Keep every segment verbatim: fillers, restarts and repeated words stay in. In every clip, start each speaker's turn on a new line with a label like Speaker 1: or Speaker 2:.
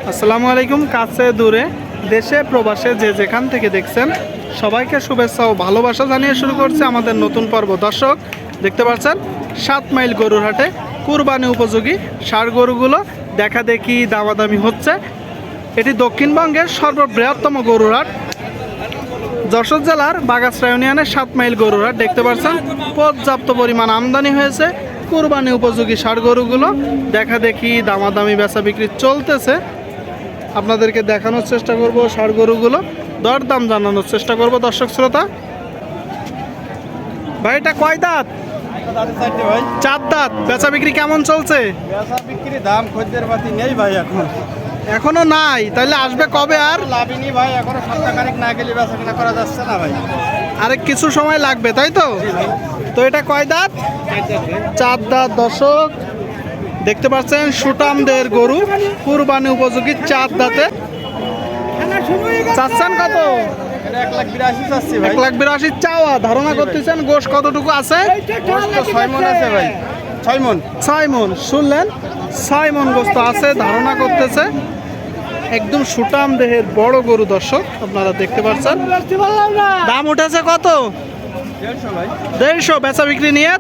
Speaker 1: আসসালামু আলাইকুম। কাছে দূরে দেশে প্রবাসে যে যেখান থেকে দেখছেন সবাইকে শুভেচ্ছা ও ভালোবাসা জানিয়ে শুরু করছে আমাদের নতুন পর্ব। দর্শক দেখতে পাচ্ছেন সাত মাইল গরুর হাটে কুরবানি উপযোগী ষাঁড় গরুগুলো দেখা দেখি দামাদামি হচ্ছে। এটি দক্ষিণবঙ্গের সর্ববৃহত্তম গরুর হাট, যশোর জেলার বাগাসরা ইউনিয়নের সাত মাইল গরুর হাট। দেখতে পাচ্ছেন পর্যাপ্ত পরিমাণ আমদানি হয়েছে কুরবানি উপযোগী ষাঁড় গরুগুলো দেখা দেখি দামাদামি বেচা বিক্রি চলতেছে। আপনাদেরকে দেখানোর চেষ্টা করব ষাঁড় গরুগুলো, দরদাম জানানোর চেষ্টা করব। দর্শক শ্রোতা ভাই, এটা কয় দাঁত? চার দাঁত। বেচা বিক্রি কেমন চলছে?
Speaker 2: বেচা বিক্রি দাম খদ্দের পাতি নেই ভাই, এখন
Speaker 1: এখনো নাই। তাহলে আসবে কবে? আর
Speaker 2: লাভিনি ভাই, এখনো সপ্তাহখানেক না গেলে বেচা কিনা করা যাচ্ছে না ভাই।
Speaker 1: আরেক কিছু সময় লাগবে, তাই তো? তো এটা কয় দাঁত? চার দাঁত। দর্শক দেখতে পাচ্ছেন সুটামদের গরু, কুরবানি উপযোগী চার দাঁতে। চাচ্ছেন কত?
Speaker 2: এক লাখ বিরাশি চাচ্ছি ভাই।
Speaker 1: এক লাখ বিরাশি চাওয়া। ধারণা করতেছেন গোশ কতটুকু আছে?
Speaker 2: ছয় মন আছে ভাই, ছয় মন।
Speaker 1: ছয় মন। শুনলেন, ছয় মন গোস্ত আছে ধারণা করতেছে। একদম সুটাম দেহের বড় গরু। দর্শক আপনারা দেখতে পাচ্ছেন। দাম উঠেছে কত?
Speaker 2: দেড়শো ভাই।
Speaker 1: দেড়শো। বেচা বিক্রি নিয়ে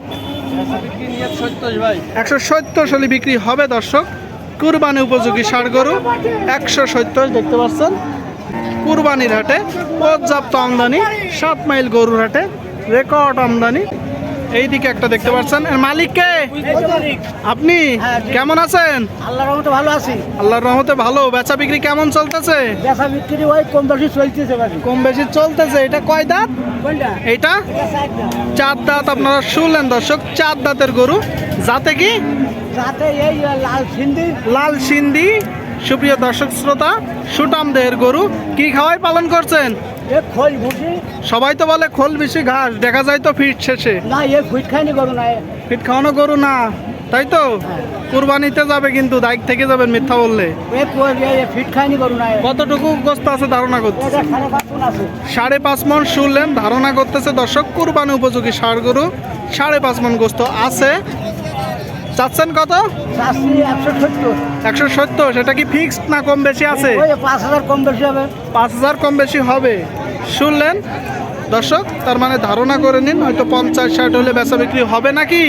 Speaker 1: একশো সত্তর হলে বিক্রি হবে। দর্শক কুরবানি উপযোগী ষাঁড় গরু একশো সত্তর। দেখতে পাচ্ছেন কুরবানির হাটে পর্যাপ্ত আমদানি। সাত মাইল গরুর হাটে রেকর্ড আমদানি। এইদিকে একটা দেখতে পাচ্ছেন। এর মালিক কে? আপনি? কেমন আছেন?
Speaker 3: আল্লাহর রহমতে ভালো আছি।
Speaker 1: আল্লাহর রহমতে ভালো। বেচা বিক্রি কেমন চলতেছে?
Speaker 3: বেচা বিক্রি ওই কম বেশি চলতেছে ভাই।
Speaker 1: কম বেশি চলতেছে। এটা কয় দাঁত?
Speaker 3: কোনটা?
Speaker 1: এইটা চার দাঁত। আপনারা শুনলেন দর্শক, চার দাঁতের গরু। যাতে কি?
Speaker 3: যাতে এই লাল সিন্ধি।
Speaker 1: লাল সিন্ধি। সুপ্রিয় দর্শক শ্রোতা, সুটাম দেহের গরু। কি খাওয়াই পালন করছেন?
Speaker 3: এ খোল ভুসি।
Speaker 1: সবাই তো বলে খোল বেশি ঘাস, দেখা যায় তো ফিট শেষে।
Speaker 3: না, এ ফিট খাইনি গরু না।
Speaker 1: ফিট খাওয়ানো গরু না, তাই তো? কুরবানিতে যাবে কিন্তু দায়িত্ব থেকে যাবেন মিথ্যা বললে।
Speaker 3: এ ফিট খাইনি গরু না।
Speaker 1: কতটুকু গোস্ত আছে ধারণা করতে?
Speaker 3: এটা সাড়ে পাঁচ মণ আছে।
Speaker 1: সাড়ে পাঁচ মন। শুনলেন, ধারণা করতেছে দর্শক কুরবানি উপযোগী ষাঁড় গরু সাড়ে পাঁচ মন গোস্ত আছে। চাচ্ছেন কত?
Speaker 3: চাচ্ছি একশো সত্তর।
Speaker 1: একশো সত্তর। সেটা কি ফিক্সড না কম বেশি আছে?
Speaker 3: ওই পাঁচ হাজার কম বেশি হবে।
Speaker 1: পাঁচ হাজার কম বেশি হবে। শুনলেন দর্শক, তার মানে ধারণা করে নিন হয়তো পঞ্চাশ ষাট হলে বেচা বিক্রি হবে নাকি।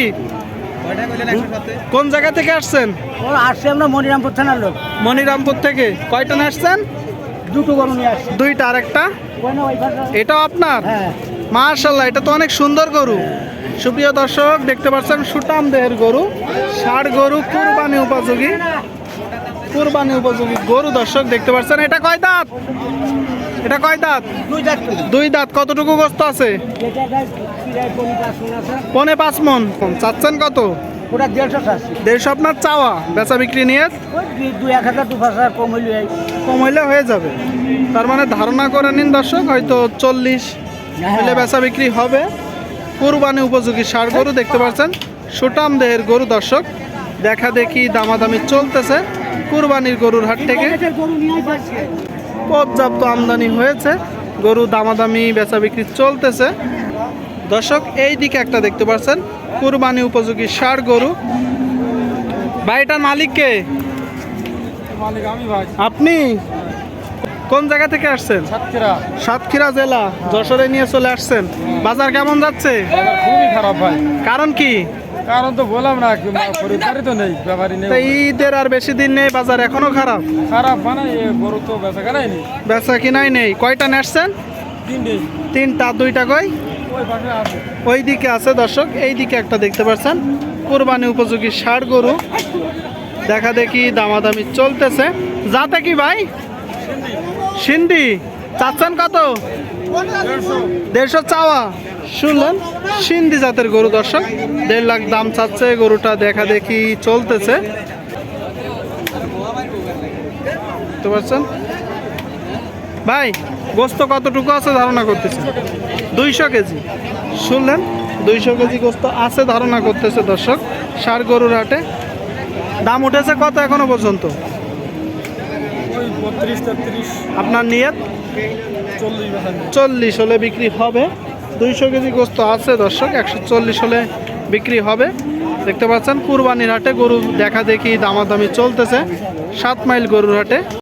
Speaker 1: কোন জায়গা থেকে আসছেন?
Speaker 3: ও আসছে আমরা মনিরামপুর থানার লোক।
Speaker 1: মনিরামপুর থেকে। কয়টা নিয়ে আসছেন?
Speaker 3: দুটো গরু নিয়ে আসছে।
Speaker 1: দুইটা। আর একটা এটাও আপনার?
Speaker 3: হ্যাঁ।
Speaker 1: মাশাআল্লাহ, এটা তো অনেক সুন্দর গরু। সুপ্রিয় দর্শক দেখতে পাচ্ছেন সুটাম দেহের গরু, ষাঁড় গরু, কুরবানি উপযোগী কুরবানি উপযোগী গরু। দর্শক দেখতে পাচ্ছেন। এটা কয় দাঁত? এটা কয় দাঁত?
Speaker 3: দুই দাঁত।
Speaker 1: দুই দাঁত। কতটুকু গোস্ত আছে? পনে পাঁচ মন। চাচ্ছেন কত?
Speaker 3: ওটা দেড়শো চাচ্ছি।
Speaker 1: দেড়শো আপনার চাওয়া। বেচা বিক্রি নিয়ে
Speaker 3: দুই এক হাজার দু পাঁচ হাজার কম হইলে
Speaker 1: কম হইলে হয়ে যাবে। তার মানে ধারণা করে নিন দর্শক হয়তো চল্লিশ হলে বেচা বিক্রি হবে। কুরবানি উপযোগী ষাঁড় গরু দেখতে পাচ্ছেন, সুটাম দেহের গরু। দর্শক দেখা দেখি দামাদামি চলতেছে কুরবানির গরুর হাট থেকে। পর্যাপ্ত আমদানি হয়েছে গরু, দামাদামি বেচা বিক্রি চলতেছে। দর্শক এই দিকে একটা দেখতে পাচ্ছেন কুরবানি উপযোগী ষাঁড় গরু। বাড়িটার মালিক কে?
Speaker 2: মালিক আমি ভাই।
Speaker 1: আপনি কোন জায়গা থেকে আসছেন?
Speaker 2: সাতক্ষীরা।
Speaker 1: সাতক্ষীরা জেলা, যশোরে নিয়ে চলে আসছেন। বাজার কেমন যাচ্ছে?
Speaker 2: খুবই খারাপ ভাই।
Speaker 1: কারণ কি?
Speaker 2: কারণ তো বললাম না, খরিদ্দারি তো নেই, ব্যাপারই নেই।
Speaker 1: তো ঈদের আর বেশি দিন নেই, বাজার এখনো খারাপ।
Speaker 2: খারাপ মানে গরু তো বেচা কেনাই নেই।
Speaker 1: বেচা কিনাই নেই। কয়টা নেসছেন?
Speaker 2: তিনটে।
Speaker 1: তিনটা। দুইটা কই?
Speaker 2: ওই পাশে আছে।
Speaker 1: ওই দিকে আছে। দর্শক এই দিকে একটা দেখতে পাচ্ছেন কুরবানি উপযোগী ষাঁড় গরু দেখা দেখি দামাদামি চলতেছে। যাতে কি ভাই? সিন্ধি। চাচ্ছেন কত? দেড়শো চাওয়া। শুনলেন, সিন্ধি জাতের গরু। দর্শক দেড় লাখ দাম চাচ্ছে। গরুটা দেখা দেখি চলতেছে, বুঝতে পারছেন ভাই? গোস্ত কতটুকু আছে ধারণা করতেছে? দুইশো কেজি। শুনলেন, দুইশো কেজি গোস্ত আছে ধারণা করতেছে দর্শক ষাঁড় গরুর হাটে। দাম উঠেছে কত এখনো পর্যন্ত?
Speaker 2: ওই বত্রিশ তেত্রিশ।
Speaker 1: আপনার নিয়ত?
Speaker 2: চল্লিশ।
Speaker 1: চল্লিশ হলে বিক্রি হবে। দুইশো কেজি গোস্ত আছে দর্শক, একশো চল্লিশ হলে বিক্রি হবে। দেখতে পাচ্ছেন কুরবানির হাটে গরু দেখা দেখি দামাদামি চলতেছে সাত মাইল গরুর হাটে।